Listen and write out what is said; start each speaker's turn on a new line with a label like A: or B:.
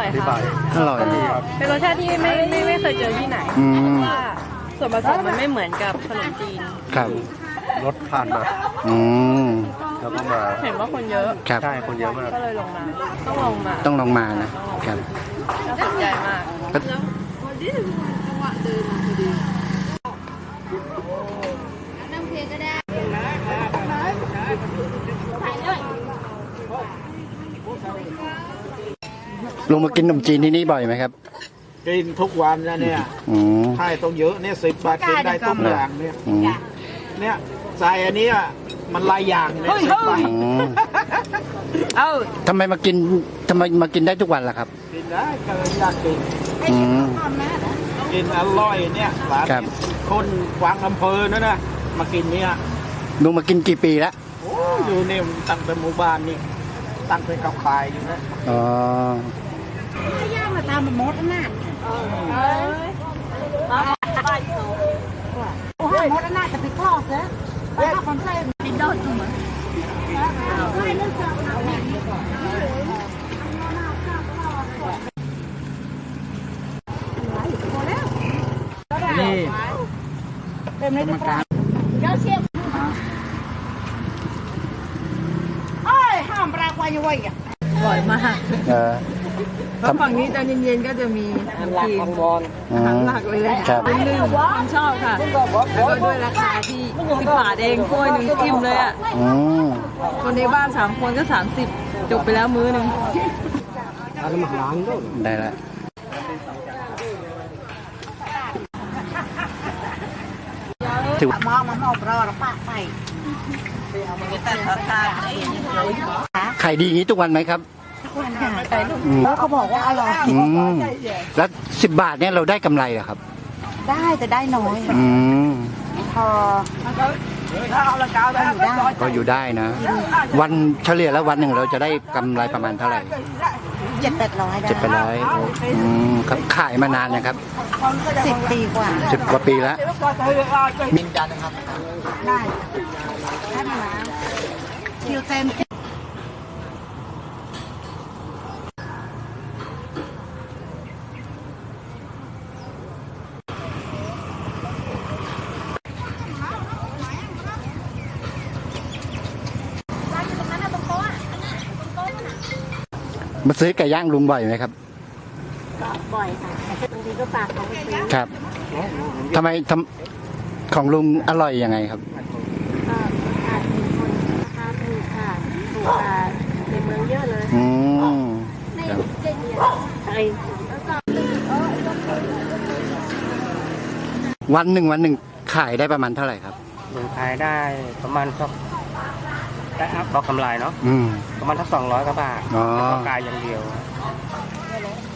A: ค่ะ
B: อร่อยดีครับ
A: เป็นรสชาติที่ไม่เคยเจอที่ไหนเพราะว่าส่วนผสมมันไม่เหมือนกับขนมจีน
B: ครับ
C: รถผ่านมา
B: อืม
C: แล้วก็มา
A: เห็นว่าคนเยอะ
B: ครับ
C: ใช่คนเยอะมาก
A: ก็เลยลงมาต้องลงมา
B: ต้องลองมานะครับ
A: น่าสนใจมาก
B: ลงมากินขนมจีนที่นี่บ่อยไหมครับ
D: กินทุกวันนะเนี่ย
B: อืม
D: ใช่ต้องเยอะเนี่ย10 บาทกินได้ทุกอย่างเนี่ย
B: อืม
D: เนี่ยใส่อันเนี้ยมันหลายอย่างเนี่ย10 บาท
B: อืมทำไมมากินได้ทุกวันล่ะครับ
D: กินได้ก็อยากกิน
B: อืม
D: กินอร่อยเนี่ยร้าน
B: ครับ
D: คนกวางอำเภอนั่นนะมากินเนี่ย
B: ลุงมากินกี่ปีแล้ว
D: โอ้อยู่เนี่ยตั้งแต่หมู่บ้านนี่ตั้งแต่กับขายอยู่นะ
B: อ๋อ
E: ย่างมาตามมดน่ะโอ้โหมดน่ะจะไปคลอดเสียไปเข้าคอนเสิร์ตดินโดนจุ่ม
D: นี่
E: เต็มเลยทุกคนเจ้าเชียบเอ้ยห้ามปลาควายอยู่ไว้อะ
A: อร่อยมาก
B: เออ
A: เพราะฝั่งนี้ตอนเย็นๆก็จะมีขนมจีน
B: อื
A: อาหาร
B: ม
A: หลักเลย
B: ครับ
A: เป็นหนึ่งความชอบค่ะแล้วก็ด้วยราคาที่10 บาทเองถ้วยหนึ่งอิ่มเลยอ่ะ
B: อืม
A: คนในบ้าน3 คนก็30จบไปแล้วมื้อหนึ่ง
B: ได้แล้วถือ
E: มองมันออกรอแล้วปะไป
B: ขายดีอย่างนี้ทุกวันไหมครับ อืม
E: แล้วเขาบอกว่าอร่อย
B: อืมแล้ว10 บาทเนี่ยเราได้กำไรเหรอครับ
E: ได้แต่ได้น้อย
B: อืม
E: พออยู่ได้
B: ก็อยู่ได้นะ วันเฉลี่ยแล้ววันหนึ่งเราจะได้กำไรประมาณเท่าไหร่
E: 700-800ได้
B: 700อืมครับขายมานานนะครับ
E: 10 ปีกว่า
B: 10 กว่าปีแล้ว
D: มินจันนะครับ
E: ได้ได้มาแล้วคิวเต็ม
B: มาซื้อไก่ย่างลุงบ่อยไหมครับ
E: บ่อยค่ะบางทีก็ฝากเขาไปซื้อ
B: ครับทำไมของลุงอร่อยยังไงครับ
E: ก็อาจมีคนราคาถูกค่ะถูกกว่าในเมืองเยอะเลย
B: อืมครับ
E: ไอ้
B: วันหนึ่งขายได้ประมาณเท่าไหร่ครับ
C: ลงขายได้ประมาณสักได้อัพก็กำไรเนาะ
B: อืม
C: ประมาณสัก200 กว่าบาท
B: อ๋อ
C: แล้วก็กายอย่างเดียว